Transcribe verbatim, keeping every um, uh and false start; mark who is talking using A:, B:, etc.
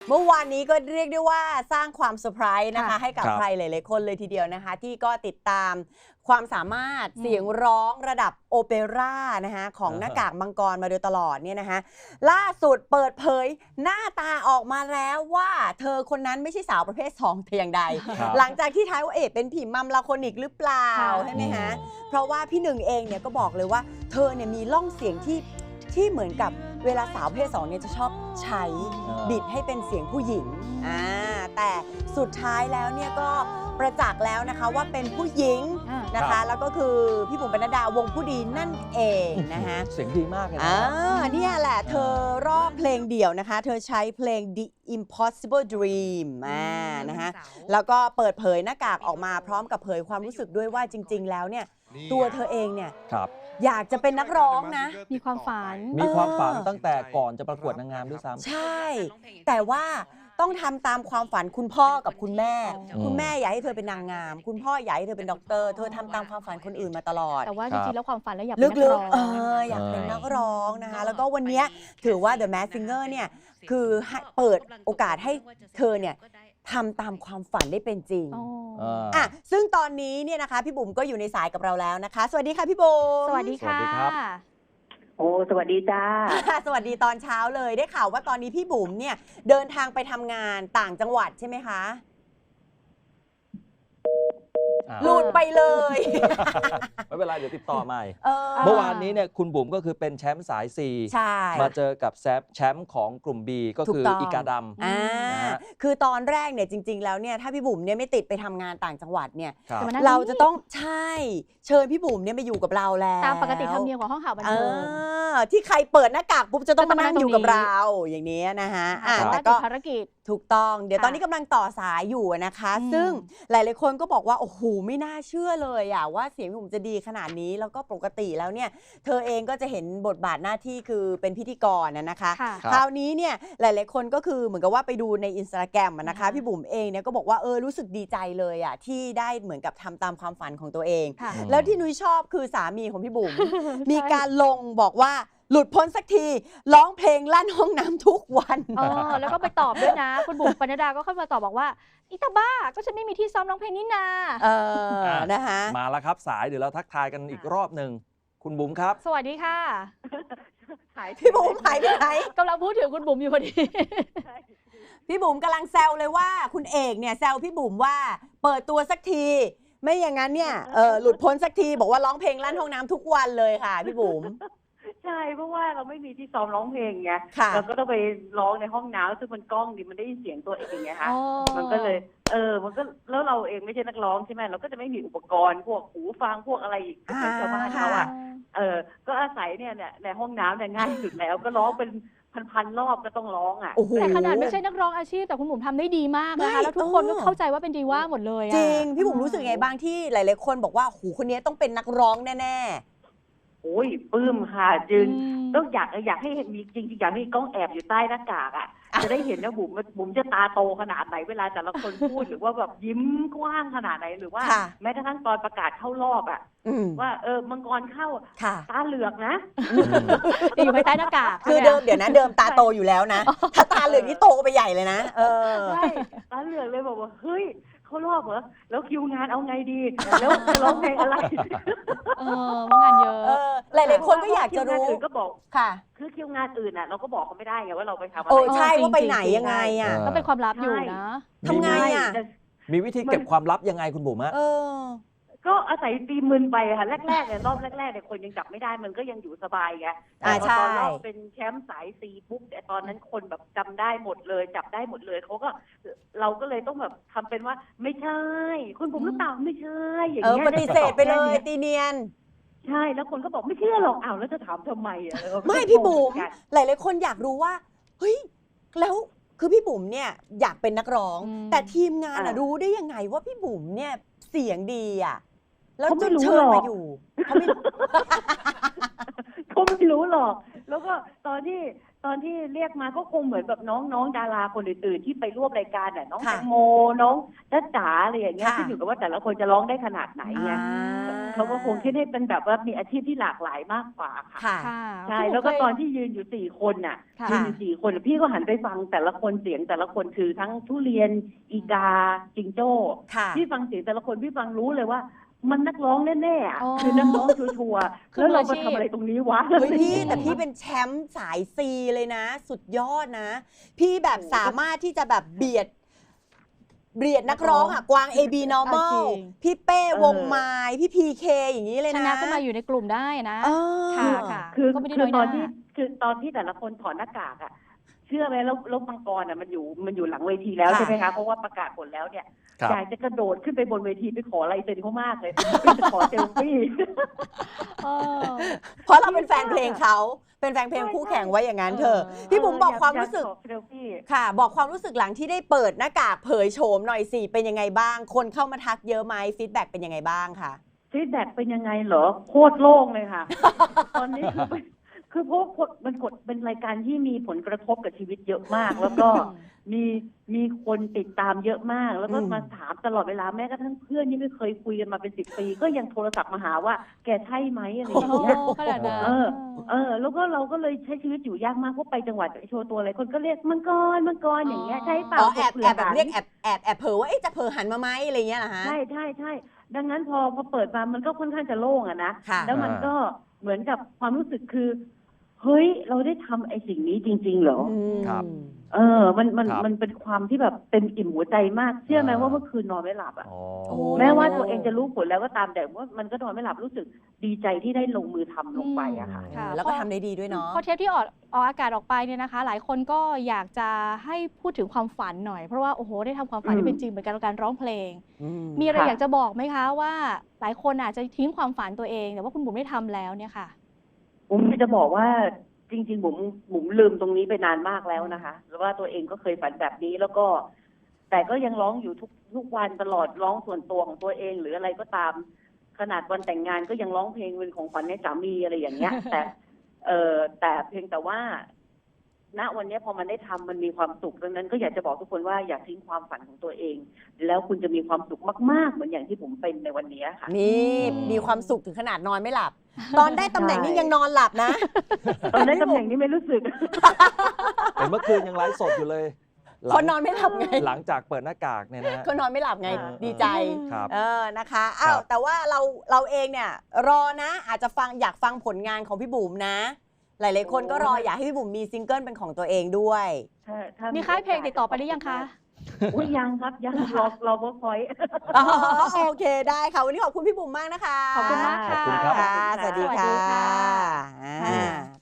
A: เมื่อวานนี้ก็เรียกได้ว่าสร้างความเซอร์ไพรส์นะคะให้กับ
B: ครับ
A: ใครหลายๆคนเลยทีเดียวนะคะที่ก็ติดตามความสามารถเสียงร้องระดับโอเปร่านะคะของหน้ากากมังกรมาโดยตลอดเนี่ยนะคะล่าสุดเปิดเผยหน้าตาออกมาแล้วว่าเธอคนนั้นไม่ใช่สาวประเภทสองแต่อย่างใด
B: ครับ
A: หลังจากที่ท้ายว่าเอ๋เป็นผีมัมลาโคนิกหรือเปล่า
C: ค่ะ
A: ใช่ไหมคะเพราะว่าพี่หนึ่งเองเนี่ยก็บอกเลยว่าเธอเนี่ยมีล่องเสียงที่ที่เหมือนกับเวลาสาวประเพศสองเนี่ยจะชอบใช้บิดให้เป็นเสียงผู้หญิงอ่าแต่สุดท้ายแล้วเนี่ยก็ประจักษ์แล้วนะคะว่าเป็นผู้หญิง
C: อ่าน
A: นะคะแล้วก็คือพี่บุ๋มปนัดดาวงผู้ดีนั่นเองนะคะ
B: เสียงดีมากเลยนะ
A: อ่าเนี่ยแหละเธอรอบเพลงเดี่ยวนะคะ เธอใช้เพลง The Impossible Dream อ่านะคะแล้วก็เปิดเผยหน้ากากออกมาพร้อมกับเผยความรู้สึกด้วยว่าจริง ๆ แล้วเนี่ยตัวเธอเองเนี่ย
B: ครับ
A: อยากจะเป็นนักร้องนะ
C: มีความฝัน
B: มีความฝันตั้งแต่ก่อนจะประกวดนางงามด้วยซ้ำ
A: ใช่ แต่ว่าต้องทำตามความฝันคุณพ่อกับคุณแม่
C: อืม
A: คุณแม่อยากให้เธอเป็นนางงาม คุณพ่ออยากให้เธอเป็นด็อกเตอร์ เธอทำตามความฝันคนอื่นมาตลอด
C: แต่ว่า
B: ค
C: จ
B: รับ
C: ริงๆแล้วความฝันแล้วอยากเป็นนัก
A: ลึ
C: ร้
A: ก
C: อง
A: ๆ เอออยากเป็นนักร้องนะคะ แล้วก็วันเนี้ยถือว่า The Masked Singer เนี่ยคือให้เปิดโอกาสให้เธอเนี่ยทำตามความฝันได้เป็นจริง
C: อ๋อ
B: เออ
A: อ่ะซึ่งตอนนี้เนี่ยนะคะพี่บุ๋มก็อยู่ในสายกับเราแล้วนะคะ สวัสดีค่ะพี่บุ๋ม
C: สวัสดีค่ะ
B: สวัสดีครับ
D: โอ้สวัสดีจ้า
A: สวัสดีตอนเช้าเลยได้ข่าวว่าตอนนี้พี่บุ๋มเนี่ยเดินทางไปทำงานต่างจังหวัดใช่ไหมคะ
B: อ่า
A: หลุดไปเลย
B: ไม่เป็นไรเดี๋ยวติดต่อใหม่
A: เออ
B: เมื่อวานนี้เนี่ยคุณบุ๋มก็คือเป็นแชมป์สาย C
A: ใช่
B: มาเจอกับแซฟแชมป์ของกลุ่ม B ก็คือ
A: ถูกต้อง
B: อีกาดำ
A: อ่า
B: นะฮะ
A: คือตอนแรกเนี่ยจริง ๆ แล้วเนี่ยถ้าพี่บุ๋มเนี่ยไม่ติดไปทำงานต่างจังหวัดเนี่ย
B: ครับ
C: แต่วันนั้น
A: เราจะต้องใช่เชิญพี่บุ๋มเนี่ยมาอยู่กับเราแล้ว
C: ตามปกติธรรมเนียมของห้องข่าวบัน
A: เอ
C: เทิง
A: อที่ใครเปิดหน้ากากปุ๊บจะต้องมานั่งอยู่กับ
C: จะต้องมานั่งตรงนี้
A: เราอย่างนี้นะฮะอ่ะ
C: แต่
A: แต่
C: ว่า
A: ก็
C: ติดภารกิจ
A: ถูกต้องเดี๋ยว
C: ค่ะ
A: ตอนนี้กำลังต่อสายอยู่นะคะ
C: อืม
A: ซึ่งหลายๆคนก็บอกว่าโอ้โหไม่น่าเชื่อเลยอะว่าเสียงพี่บุ๋มจะดีขนาดนี้แล้วก็ปกติแล้วเนี่ยเธอเองก็จะเห็นบทบาทหน้าที่คือเป็นพิธีกรนะนะคะ
C: ค่ะ
B: ครับ
A: คราวนี้เนี่ยหลายๆคนก็คือเหมือนกับว่าไปดูในอินสตาแกรมนะคะ
C: อ่า
A: พี่บุ๋มเองเนี่ยก็บอกว่าเออรู้สึกดีใจเลยอะที่ได้เหมือนกับทำตามความฝันของตัวเอง
C: ค่ะ
B: อืม
A: แล้วที่นุ้ยชอบคือสามีของพี่บุ๋ม
C: ใช่
A: มีการลงบอกว่าหลุดพ้นสักทีร้องเพลงลั่นห้องน้ำทุกวัน
C: เออแล้วก็ไปตอบด้วยนะ คุณบุ๋มปนัดดาก็เข้ามาตอบบอกว่าอีตาบ้าก็ฉันไม่มีที่ซ้อมร้องเพลงนี่นา
A: เออนะคะ
B: มาแล้วครับสายเดี๋ยวเราทักทายกันอีกรอบหนึ่งคุณบุ๋มครับ
C: สวัสดีค่ะ
A: พี่บุ๋มหายไปไหน
C: กำลังพูดถึงคุณบุ๋มอยู่พอดี
A: พี่บุ๋มกำลังแซวเลยว่าคุณเอกเนี่ยแซวพี่บุ๋มว่าเปิดตัวสักที ไม่อย่างนั้นเนี่ยเออหลุดพ้นสักทีบอกว่าร้องเพลงลั่นห้องน้ำทุกวันเลยค่ะพี่บุ๋ม
D: ใช่เพราะว่าเราไม่มีที่ซ้อมร้องเพลงไง
A: ค่ะ
D: เราก็ต้องไปร้องในห้องน้ำซึ่งมันกล้องดิมันได้ยินเสียงตัวเองไงคะ
C: อ๋อ
D: มันก็เลย เออ มันก็แล้วเราเองไม่ใช่นักร้องใช่ไหมเราก็จะไม่มีอุปกรณ์พวกหูฟังพวกอะไรอีกเหมือนชาวบ้านเขาอ่ะเออ ก็อาศัยเนี่ยเนี่ยในห้องน้ำเนี่ยง่ายสุดแล้ว ก็ร้องเป็นพันๆรอบก็ต้องร้องอ่ะ
A: โอ้โห
C: แต่ขนาดไม่ใช่นักร้องอาชีพแต่คุณบุ๋มทำได้ดีมากนะคะ
A: ไม่
C: แล้วทุกคนก็
A: เออ
C: เข้าใจว่าเป็นดีว่าหมดเลยอะ
A: จริง พี่บุ๋มรู้สึกไงบ้างที่หลาย ๆ คนบอกว่าหูคนนี้ต้องเป็นนักร้องแน่
D: โอ้ยปลื้มค่ะจึง
C: อืม
D: ต้องอยากอยากให้เห็นมีจริงๆอยากให้กล้องแอบอยู่ใต้หน้ากากอ่ะ จะได้เห็นว่าบุ๋มบุ๋มจะตาโตขนาดไหนเวลาแต่ละคนพูด หรือว่าแบบยิ้มกว้างขนาดไหนหรือว่า
A: ค่ะ
D: แม้กระทั่งตอนประกาศเข้ารอบอ่ะ
A: ๆอืม
D: ว่าเออมังกรเข้า
A: ค่ะ
D: ตาเหลือกนะ
C: จะอยู่ภายใต้หน้ากาก
A: คือ
C: ใช่ไห
A: เดิมเดี๋ยวนะเดิมตาโตอยู่แล้วนะ ถ้าตาเหลืองนี่โตไปใหญ่เลยนะ เออ
D: ใช่ตาเหลือกเลยบอกว่าเฮ้ยเขารอบเหรอแล้วคิวงานเอาไงดี แล้วจะร้องเพลงอะไร
C: เออว่างานเยอะ
A: เออหลายๆคนก็อยากจะรู้
D: คิวงานอื่นก็บอก
A: ค่ะ
D: คือคิวงานอื่นอ่ะ เราก็บอกเขาไม่ได้ไงว่าเราไปทำอะ
A: โอ้
D: ไร
A: ใช่
C: จริงๆ
A: ว่าไปไหน
C: จริงๆ
A: ยังไงอ่ะ
B: เออ
C: ก็เป็นความลับอยู่นะ
A: ทำไงอ่ะ
D: แต่
B: มีวิธีเก็บความลับยังไงคุณบุ๋มฮะ
A: เออ
D: ก็อาศัยตีมึนไปค่ะแรกๆเนี่ยรอบแรกๆเนี่ยคนยังจับไม่ได้มันก็ยังอยู่สบายไงแต่
A: อ่า
D: พอ
A: ใช่
D: ตอนรอบเป็นแชมป์สายซีปุ๊บแต่ตอนนั้นคนแบบจำได้หมดเลย จับได้หมดเลยเขาก็เราก็เลยต้องแบบทำเป็นว่าไม่ใช่คุณผมหรือเปล่าไม่ใช่อย่าง
A: เออ
D: เงี้ย
A: ปฏิเสธไปเลย
D: แค่นี้
A: ตีเนียน
D: ใช่แล้วคนก็บอกไม่เชื่อหรอกอ้าวแล้วจะถามทำไมอ่ะเออ
A: ไม่
D: ก็
A: พี่
D: งง
A: บุ๋ม
D: เหอนกัน
A: หลายๆคนอยากรู้ว่าเฮ้ยแล้วคือพี่บุ๋มเนี่ยอยากเป็นนักร้อง
C: อืม
A: แต่ทีมงานอะ
D: อ่า
A: รู้ได้ยังไงว่าพี่บุ๋มเนี่ยเสียงดีอ่ะแล้ว
D: เขา
A: จ
D: ไม่
A: น
D: รู้
A: เชิญ
D: หรอก
A: มาอยู่เขาไม่รู้
D: เขาไม่รู้หรอก แล้วก็ตอนที่ตอนที่เรียกมาก็คงเหมือนแบบน้องน้องดาราคนอื่นๆที่ไปร่วมรายการน่ะน้อง
A: ค่ะ
D: แตงโมน้องจ๊ะจ๋าอะไรอย่างเงี้ย
A: ค่ะ
D: ขึ้นอยู่กับว่าแต่ละคนจะร้องได้ขนาดไหนไง
A: อ่า
D: เขาก็คงคิดให้เป็นแบบว่ามีอาชีพที่หลากหลายมากกว่าค่ะ
A: ค่ะ
C: ค่ะ
D: ใช่
C: พี่บุ๋ม
D: แล้วก็
C: เคย
D: ตอนที่ยืนอยู่สี่คนน่ะ
C: ค่ะ
D: ยืนอยู่สี่คนพี่ก็หันไปฟังแต่ละคนเสียงแต่ละคนคือทั้งทุเรียนอีกาจิงโจ้
A: ค่ะ
D: พี่ฟังเสียงแต่ละคนพี่ฟังรู้เลยว่า มันนักร้องแน่ๆอะ
C: อ๋อ
D: คือนักร้องชัวร์ๆ
C: คือ
D: แล้วเรา
C: มือ
D: มา
C: อาชีพ
D: ทำอะไรตรงนี้วะ
A: เฮ้ยพี่แต่พี่เป็นแชมป์สายซีเลยนะ สุดยอดนะ พี่แบบสามารถที่จะแบบเบียด เบียดนักร้องอ่ะ กวาง เอ บี normal
C: เอาจริง
A: พี่เป้วงไม้พี่พีเคอย่างนี้เลย
C: ช
A: นะ
C: นะก็มาอยู่ในกลุ่มได้นะ
A: เออ
C: ค่ะค่ะ
D: คือ
C: ก็ไม่ได้
D: คื
C: น้
D: อ
C: อย
D: ต
C: ห
D: อน
C: น้า
D: ที่คือตอนที่แต่ละคนถอดหน้ากากอะเชื่อไหมแล้วแล้วมังกรอะมันอยู่มันอยู่หลังเวทีแล้ว
A: ค่ะ
D: ใช่ไหมคะเพราะว่าประกาศผลแล้วเนี่ย
B: ครับ
D: อยากจะกระโดดขึ้นไปบนเวทีไปขอลายเซ็นเขามากเลยไปขอเซลฟี่
C: เออ
A: เพราะเราเป็นแฟนเพลงเขาเป็นแฟนเพลงคู่แข่งไว้อย่างนั้นเถอะ
C: เออ
A: พี่บุ๋มบอกความรู้สึก
D: อยขอเซลฟี่
A: ค่ะ บอกความรู้สึกหลังที่ได้เปิดหน้ากากเผยโฉมหน่อยสิเป็นยังไงบ้าง คนเข้ามาทักเยอะไหมฟีดแบ็กเป็นยังไงบ้างค่ะ
D: ฟีดแบ็กเป็นยังไงเหรอโคตรโล่งเลยค่ะ ตอนนี้คือ คือเพราะกดมันกดเป็นรายการที่มีผลกระทบกับชีวิตเยอะมาก แล้วก็มีมีคนติดตามเยอะมาก แล้วก็
A: อืม
D: มาถามตลอดเวลาแม้กระทั่งเพื่อนที่ไม่เคยคุยกันมาเป็นสิบปี ก็ยังโทรศัพท์มาหาว่าแกใช่ไหมอะไรอ
C: โอ้
D: ย่าง
C: โห
D: เงี้ย
C: ขนาดนั้น
D: เออ เออ แล้วก็เราก็เลยใช้ชีวิตอยู่ยากมากเพราะไปจังหวัดไปโชว์ตัวอะไรคนก็เรียกมังกรมังกรอย่างเงี้ยใช่เปล่า
A: อ๋อแอบ
D: ผื่
A: แอบแบบ
D: หัน
A: เรียกแอบแอบแอบเผลอว่าเอ๊ะจะเผลอหันมาไหมอะไรเงี้ยเหรอฮะ
D: ใช่ใช่ใช่ดังนั้นพอพอเปิดมามันก็ค่อนข้างจะโล่งอะนะ
A: ค่ะ
D: แล้วมันก็เหมือนกับความรู้สึกคือ เฮ้ย เราได้ทำไอ้สิ่งนี้จริง ๆ เหรอ
A: อืม
B: ครับ
D: เออ มันมัน
B: ครับ
D: มันเป็นความที่แบบเต็มอิ่มหัวใจมาก เชื่อไหม
B: อ่า
D: ว่าเมื่อคืนนอนไม่หลับอ่ะ
B: อ๋อ
C: โอ้
D: แม้ว่า
C: โอ้
D: ตัวเองจะรู้ผลแล้วก็ตามแต่ว่ามันก็นอนไม่หลับรู้สึกดีใจที่ได้ลงมือทำลงไปอะค่ะ
C: ค่ะ
A: แล้วก็ทำได้ดีด้วยเนาะ
C: พอเทปที่ออกออกอากาศออกไปเนี่ยนะคะ หลายคนก็อยากจะให้พูดถึงความฝันหน่อย เพราะว่าโอ้โหได้ทำความฝัน
D: อืม
C: ที่เป็นจริงเหมือนกันกับการร้องเพลง
A: อืม
C: มีอะไร
D: ค่ะ
C: อยากจะบอกไหมคะว่าหลายคนอาจจะทิ้งความฝันตัวเองแต่ว่าคุณบุ๋มได้ทำแล้วเนี่ยค่ะ
D: ผมจะบอกว่าจริงๆผมผมลืมตรงนี้ไปนานมากแล้วนะคะแล้วว่าตัวเองก็เคยฝันแบบนี้แล้วก็ แต่ก็ยังร้องอยู่ทุกทุกวันตลอดร้องส่วนตัวของตัวเอง หรืออะไรก็ตาม ขนาดวันแต่งงานก็ยังร้องเพลงเป็นของขวัญให้สามีอะไรอย่างเงี้ย แต่ เออแต่เพียงแต่ว่า ณวันนี้พอมันได้ทำมันมีความสุขดังนั้นก็อยากจะบอกทุกคนว่าอย่าทิ้งความฝันของตัวเอง แล้วคุณจะมีความสุขมากๆเหมือนอย่างที่ผมเป็นในวันนี้ค่ะ
A: นี่
B: อืม
A: มีความสุขถึงขนาดนอนไม่หลับ ตอนได้ตำแหน่งนี่ยังนอนหลับนะ
D: ตอนได้ตำแหน่งนี้ไม่รู้สึก
B: แต่เมื่อคืนยังไลฟ์สดอยู่เลยหลั
A: เขา
B: ง
A: นอนไม่หลับไง
B: หลังจากเปิดหน้ากากเนี่ยนะฮะ
A: เขานอนไม่หลับไง
D: อ่า
A: ดีใจ
B: ครับ
A: เออนะคะอ้าว
B: ครับ
A: แต่ว่าเราเราเองเนี่ย รอนะ อาจจะฟังอยากฟังผลงานของพี่บุ๋มนะ หลายๆคนก็รออยากให้พี่บุ๋มมีซิงเกิลเป็นของตัวเองด้วย
D: ถ้าถ้
C: มีค่ายเพลงติดต่อไปหรือยังคะ
D: อุ้ยยังครับยังรอรอเวิร์กพอยต์
A: อ๋อโอเคได้ค่ะ วันนี้ขอบคุณพี่บุ๋มมากนะคะ
C: ขอบคุณมากค่ะ
B: ขอบคุณครับ
A: ค่ะสวัสดี
C: สวัสดี
A: ค่ะ
C: ค่ะ
A: อ่า